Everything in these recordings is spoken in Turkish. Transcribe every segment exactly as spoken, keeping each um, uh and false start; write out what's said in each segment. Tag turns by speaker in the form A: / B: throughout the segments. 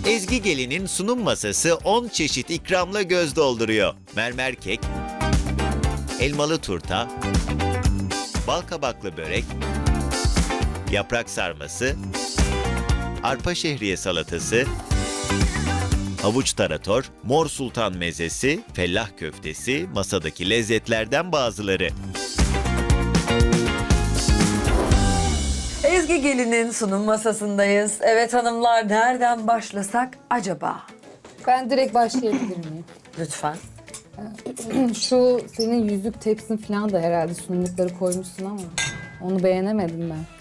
A: Ezgi Gelin'in sunum masası on çeşit ikramla göz dolduruyor. Mermer kek, elmalı turta, bal kabaklı börek, yaprak sarması, arpa şehriye salatası, havuç tarator, mor sultan mezesi, fellah köftesi masadaki lezzetlerden bazıları.
B: Ezgi Gelin'in sunum masasındayız. Evet hanımlar, nereden başlasak acaba?
C: Ben direkt başlayabilir miyim?
B: Lütfen.
C: Şu senin yüzük tepsin falan da herhalde sunumlukları koymuşsun ama onu beğenemedim ben.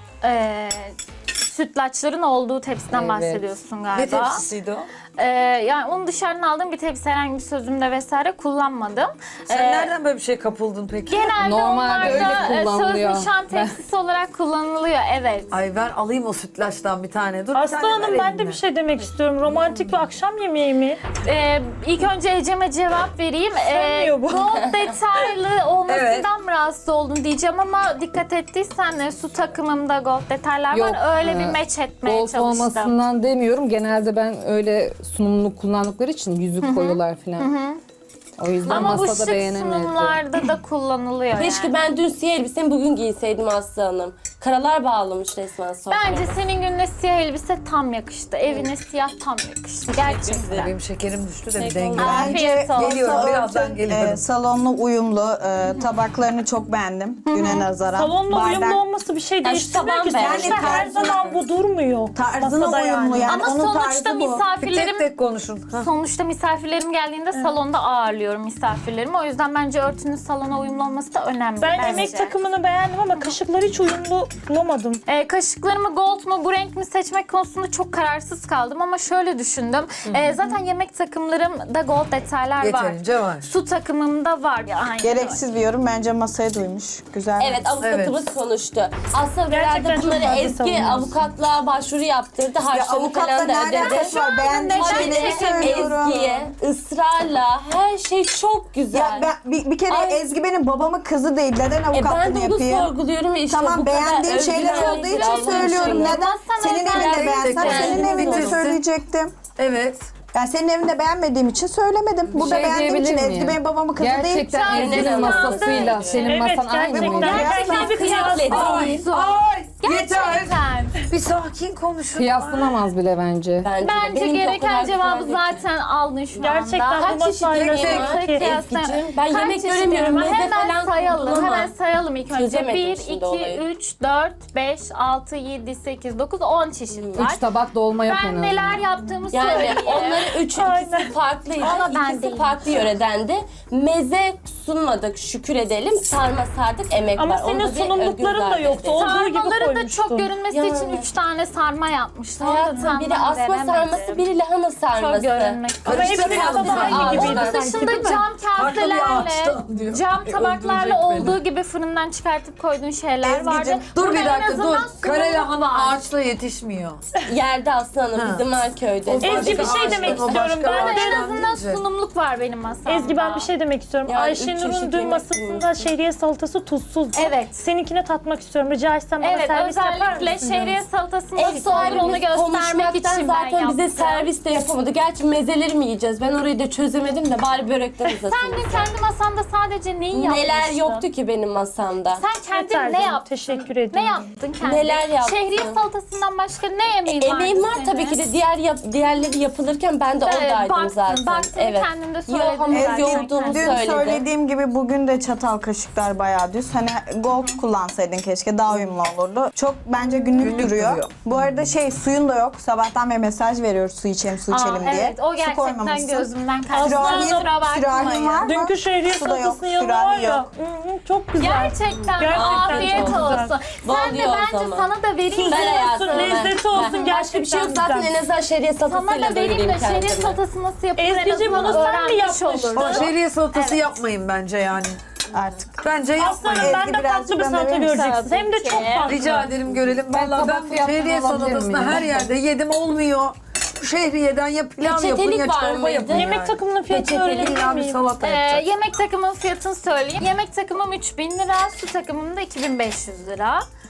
D: Ee, sütlaçların olduğu tepsiden
C: Evet.
D: bahsediyorsun galiba.
B: Ne tepsisiydi o?
D: Ee, yani onu dışarıdan aldığım bir tepsi, herhangi bir sözümde vesaire kullanmadım.
B: Sen
D: Ee,
B: nereden böyle bir şey kapıldın peki?
D: Genelde
C: Normalde öyle
D: onlarda e, söz
C: kullanılıyor.
D: nişan tepsisi olarak kullanılıyor, evet.
B: Ay ver alayım o sütlaçtan bir tane. Dur bir
E: Aslı
B: tane
E: Hanım
B: ver
E: ben de
B: eline.
E: bir şey demek istiyorum. Romantik bir akşam yemeği mi?
D: Ee, ilk önce Ecem'e cevap vereyim. Ee,
E: Sönmüyor bu.
D: gold detaylı olmasından
B: Evet.
D: mı rahatsız oldun diyeceğim ama dikkat ettiysen e, su takımımda gold detaylar
C: Yok,
D: var. Öyle
C: e,
D: bir meç etmeye
C: Gold
D: çalıştım.
C: olmasından demiyorum. Genelde ben öyle sunumluk kullandıkları için yüzük koyuyorlar falan. O yüzden
D: Ama bu
C: masada
D: şık
C: beğenemedim.
D: sunumlarda da kullanılıyor
F: Keşke
D: yani.
F: ben dün siyah elbisemi bugün giyseydim Aslı Hanım. Karalar bağlamış resmen sonra.
D: Bence senin gününe siyah elbise tam yakıştı. Evine siyah tam yakıştı. Gerçekten.
B: Benim şekerim düştü de bir
F: Teşekkür
B: denge.
D: Afiyet olsun.
B: Geliyorum, birazdan
G: Ee,
B: geliyorum.
G: salonla uyumlu. e, tabaklarını çok beğendim güne nazaran.
E: Salonla
G: Bardak
E: uyumlu olması bir şey
F: şu
E: değiştirmiyor ki.
F: taban
E: Sonuçta
G: beğendim.
E: her zaman bu durmuyor.
G: tarzına
E: Masada
G: uyumlu yani.
D: Ama
G: Onun
D: sonuçta
G: tarzı bu.
B: Bir
D: misafirlerim
B: tek tek konuşun. Ha.
D: Sonuçta misafirlerim geldiğinde salonda ağırlıyorum misafirlerimi. O yüzden bence örtünün salona uyumlu olması da önemli.
E: Ben
D: bence.
E: yemek takımını beğendim ama kaşıkları hiç uyumlu bulamadım.
D: Ee, kaşıklarımı gold mu bu renk mi seçmek konusunda çok kararsız kaldım ama şöyle düşündüm. Ee, zaten yemek takımlarımda gold detaylar var.
B: Yeterince var.
D: Su takımımda var. Aynen
G: Gereksiz bir yorum. Bence masaya duymuş. Güzel.
F: Evet, avukatımız konuştu. Aslında
E: Gerçekten
F: herhalde
E: çok
F: bunları
E: fazla
F: eski
E: savunuyorsun.
F: avukatlığa başvuru yaptırdı.
G: Ya
F: Harçlarını
G: avukatla
F: falan
G: ne
F: da ödedi.
G: alakası var? Beğendiğim
D: neden
G: şeyleri
D: çekemiyorum?
G: söylüyorum.
F: Ezgi'ye ısrarla her şey çok güzel.
G: Ya ben, bir, bir kere
F: Ay.
G: Ezgi benim babamın kızı değil. Neden
F: e ben
G: avukatlığını
F: de onu
G: yapayım?
F: sorguluyorum ve işte
G: Tamam
F: bu kadar
G: beğendiğim şeyler
F: övgüler
G: olduğu
F: Allah
G: için söylüyorum.
F: aşkına.
G: Neden?
D: Sana
G: Senin
D: özel
G: evinde
B: tek
G: beğensem
B: tek
G: senin
B: yani.
G: evinde
B: Bitirsin.
G: söyleyecektim.
B: Evet.
G: Ben senin evinde beğenmediğim için söylemedim. Burada
C: şey
G: beğendiğim için
C: diyebilir
G: Ezgi
C: miyim?
G: benim babamın kızı değil.
C: Gerçekten
D: değil.
C: Ezgi'nin
D: Sen-
C: masasıyla senin
E: Evet,
C: masan aynı
E: gerçekten.
C: mıydı?
E: Gerçekten bir kıyas.
B: Ay,
D: Su.
B: ay, yeter.
D: Gerçekten.
B: Bir sakin konuşun.
C: Kıyaslanamaz bile bence.
F: Bence, de.
D: Bence
F: Benimki o
D: gereken
F: kadar
D: cevabı
F: güzel değil.
D: zaten aldın şu
E: Gerçekten
D: anda.
E: bu masayla
F: yemek
E: şey
F: var?
E: ki.
F: Ezgi'cim, ben
D: Kaç
F: yemek
D: çeşit
F: göremiyorum.
D: yemek var?
F: Meze
D: Hemen
F: falan
D: sayalım.
F: koydun ama.
D: Hemen sayalım ilk önce.
F: Çözemedim
D: bir,
F: şimdi
D: iki,
F: olayı.
D: üç, dört, beş, altı, yedi, sekiz, dokuz, on çeşit var.
C: Üç tabak dolma yok en
D: Ben
C: azından.
D: neler yaptığımı
F: Yani
D: söyleyeyim.
F: onların üç
E: Aynen.
F: ikisi farklıydı.
D: Ama ben
F: ikisi
D: değilim.
F: farklı yöredendi. Meze sunmadık, şükür edelim. Sarma sardık, emek
E: Ama
F: var.
E: senin
F: Onda bir
E: sunumlukların
F: övgü
E: da yoktu.
F: zaten.
E: Olduğu gibi
D: Sarmaları da
E: koymuştun.
D: çok görünmesi
F: Ya.
D: için üç tane sarma yapmışlar.
F: Hayatım biri asma sarması, biri lahana
D: Çok
F: sarması.
D: görünmek.
E: Ama hepsi
B: Karıştırmayalım
E: masada
B: sen.
E: aynı
F: Aa,
E: gibiydi
D: Onun
E: sanki
D: dışında
E: değil mi?
D: cam
B: Farklı bir
D: kaselerle,
B: ağaçtan diyor.
D: cam
B: Öldürecek
D: tabaklarla
B: beni.
D: olduğu gibi fırından çıkartıp koyduğun şeyler vardı.
B: Ezgi'cim dur
D: Burada
B: bir
D: en
B: dakika
D: azından
B: dur. Kare
D: sunumluk
B: lahana
D: var.
B: ağaçla yetişmiyor.
F: Yerde aslanım
B: Ha.
F: bizim Erköy'de.
B: O
E: Ezgi bir
B: başka
E: şey demek
B: ağaçtan, o
E: istiyorum.
B: başka
E: Ben
D: Burada
E: de-
D: en
B: ağaçtan
D: azından
B: deyince.
D: sunumluk var benim masamda.
E: Ezgi ben bir şey demek istiyorum.
F: Yani üç
E: Ayşenur'un
F: çeşit
E: dün
F: yemek
E: masasında
F: bulmuş.
E: şehriye salatası tuzsuz.
D: Evet.
E: Seninkine tatmak istiyorum. Rica etsem bana
D: Evet,
E: servis yapar
D: özellikle
E: mısın?
D: şehriye salatasını
F: Ev
D: nasıl olur onu
F: sahibimiz
D: göstermek
F: konuşmaktan
D: için ben
F: zaten bize
D: yaptım.
F: servis de yapamadı. Gerçi mezeleri mi yiyeceğiz? Ben orayı da çözemedim de bari börekten uzatayım.
D: Sen de kendi masanda sadece neyi yapmıştın?
F: Neler yoktu ki benim masamda?
D: Sen kendin
E: Yeter
D: ne
E: canım,
D: yaptın?
E: teşekkür ederim.
D: Ne yaptın kendin?
F: Neler yaptım?
D: Şehriye salatasından başka ne yemeğin vardı
F: Emeğim var
D: senin?
F: tabii ki de diğer yap, diğerleri yapılırken ben de oradaydım
D: baktın,
F: zaten.
D: baktın, kendin de söyledin
F: Yok, hamur
D: zaten.
F: yoğurduğumu
G: Dün
F: söyledim.
G: söylediğim gibi bugün de çatal kaşıklar bayağı düz. Hani gold kullansaydın keşke daha uyumlu olurdu. Çok bence günlük,
B: Günlük
G: duruyor.
B: duruyor.
G: Bu arada şey suyun da yok. Sabahtan beri mesaj veriyoruz su içelim su
D: Aa,
G: içelim diye.
D: evet, o
G: Su
D: gerçekten
G: koymamışsın.
D: gözümden kaçtı.
G: Sürahin,
D: Kusura
G: sürahin
D: bakmayın.
G: var mı?
E: Dünkü şehriye
G: Su da yok,
E: salatasının yanında
G: sürahi
E: var ya.
G: yok.
E: Hı hı, çok güzel.
D: Gerçekten,
E: Gerçekten
D: afiyet
E: çok güzel.
D: olsun. Sen de
F: Oluyor o
D: bence
F: zaman.
D: sana da vereyim.
F: Ben hayatım.
E: olsun, lezzeti olsun,
F: Ben- Başka bir şey yok
E: gerçekten
F: zaten
E: güzel.
F: en azından şehriye
D: Sana
F: salatasıyla
D: da vereyim
F: doyurayım
D: de şehriye
F: kendimi.
D: salatası nasıl yapılır en
E: Ezgi'cim,
D: azından
E: bunu sen mi
D: öğrenmiş
E: yapmıştın?
D: olursun.
B: O şehriye salatası
D: Evet.
B: yapmayın bence yani.
G: Artık.
B: Bence
E: Aslanım
B: yapmayın.
E: ben de
G: birazcık
E: tatlı bir
G: bana
E: salata
G: verir misin?
E: göreceksiniz. Hem de çok farklı.
B: Rica ederim görelim.
C: Ben
B: Vallahi
C: tabak
B: ben
C: fiyatını
B: şehriye
C: alabilir
B: salatasını
C: miyim?
B: her yerde yedim olmuyor. Bu şehriyeden ya pilav yapın
F: Peçetelik
B: ya
F: var
B: çorba
F: mıydı?
B: yapın
E: Yemek
B: yani.
E: takımının fiyatını
F: Peçeteli
E: öğrenebilir
B: İlla bir
E: miyim?
B: salata
D: Ee,
B: yapacak.
D: yemek takımın fiyatını söyleyeyim. Yemek takımım üç bin lira, su takımım da iki bin beş yüz lira.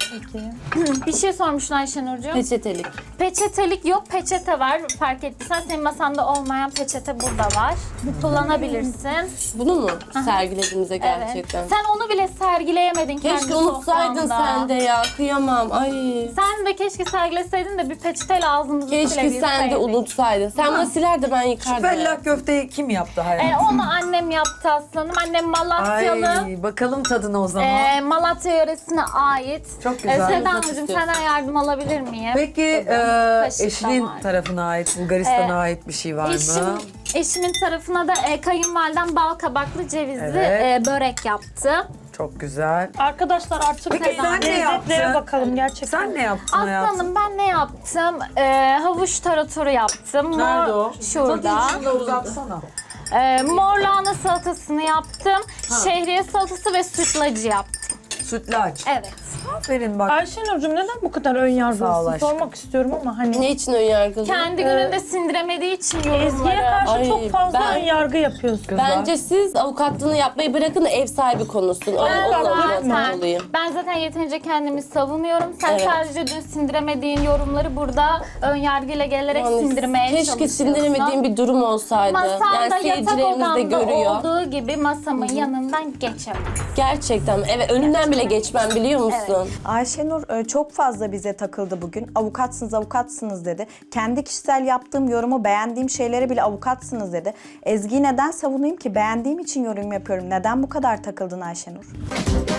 D: Bir şey sormuşsun Ayşenurcuğum.
F: Peçetelik.
D: Peçetelik yok, peçete var. Fark ettiysen senin masanda olmayan peçete burada var. Kullanabilirsin.
F: Bunu mu sergilediğimize gerçekten?
D: Evet. Sen onu bile sergileyemedin kendi
F: Keşke unutsaydın
D: sofranda.
F: sen de ya. Kıyamam. Ay.
D: Sen de keşke sergileseydin de bir peçeteyle ağzımızı
F: Keşke
D: silebilseydik.
F: sen de unutsaydın. Sen bana siler de ben yıkardım.
B: Fellah köfteyi kim yaptı hayatım?
D: Ee, onu annem yaptı aslanım. Annem Malatyalı.
B: Ay bakalım tadına o zaman.
D: Ee, Malatya yöresine ait.
B: Çok güzel.
D: Ee, Seda
F: Yapmak
D: Hanımcığım
F: istiyorsun.
D: senden yardım alabilir miyim?
B: Peki e,
D: Kaşık da
B: eşinin
D: var.
B: tarafına ait, Bulgaristan'a
D: Ee,
B: ait bir şey var
D: Eşim,
B: mı?
D: eşimin tarafına da e, kayınvalidem bal kabaklı cevizli
B: Evet.
D: e, börek yaptı.
B: Çok güzel.
E: Arkadaşlar artık
B: Peki sen ne
E: lezzetlere
B: yaptın?
E: bakalım gerçekten.
B: Sen ne yaptın hayatım?
D: Aslanım ben ne yaptım? Ee, havuç taratoru yaptım.
B: Nerede o?
D: Şurada.
B: Tadı içinde uzatsana.
D: Ee, mor lahana salatasını yaptım. Şehriye salatası ve sütlacı yaptım.
B: Sütlaç.
D: Evet.
B: Aferin bak.
E: Ayşenur'cum neden bu kadar ön
B: Sağ ol
E: yargılısın?
B: aşkım.
E: Sormak istiyorum ama hani
F: Ne için ön yargılı?
D: Kendi gününde sindiremediği için
E: Ezgi'ye
D: yorumları.
E: karşı
F: Ay,
E: çok fazla
F: ben-
E: ön yargı yapıyorsun.
F: Bence siz avukatlığını yapmayı bırakın da ev sahibi konuşsun.
D: Ben
F: Onu
D: zaten,
F: anlatmalıyım.
D: ben zaten yeterince kendimi savunuyorum. Sen
F: Evet.
D: sadece dün sindiremediğin yorumları burada ön yargıyla gelerek
F: Yani
D: sindirmeye
F: keşke
D: çalışıyorsun.
F: sindiremediğim bir durum olsaydı.
D: Masanda
F: Yani
D: yatak
F: seyircilerimiz de
D: odamda
F: görüyor.
D: olduğu gibi masamın yanından geçemem.
F: Gerçekten. Evet, önünden bile geçmem biliyor musun?
G: Ayşenur e, çok fazla bize takıldı bugün. Avukatsınız, avukatsınız dedi. Kendi kişisel yaptığım yorumu, beğendiğim şeylere bile avukatsınız dedi. Ezgi'yi neden savunayım ki? Beğendiğim için yorum yapıyorum. Neden bu kadar takıldın Ayşenur?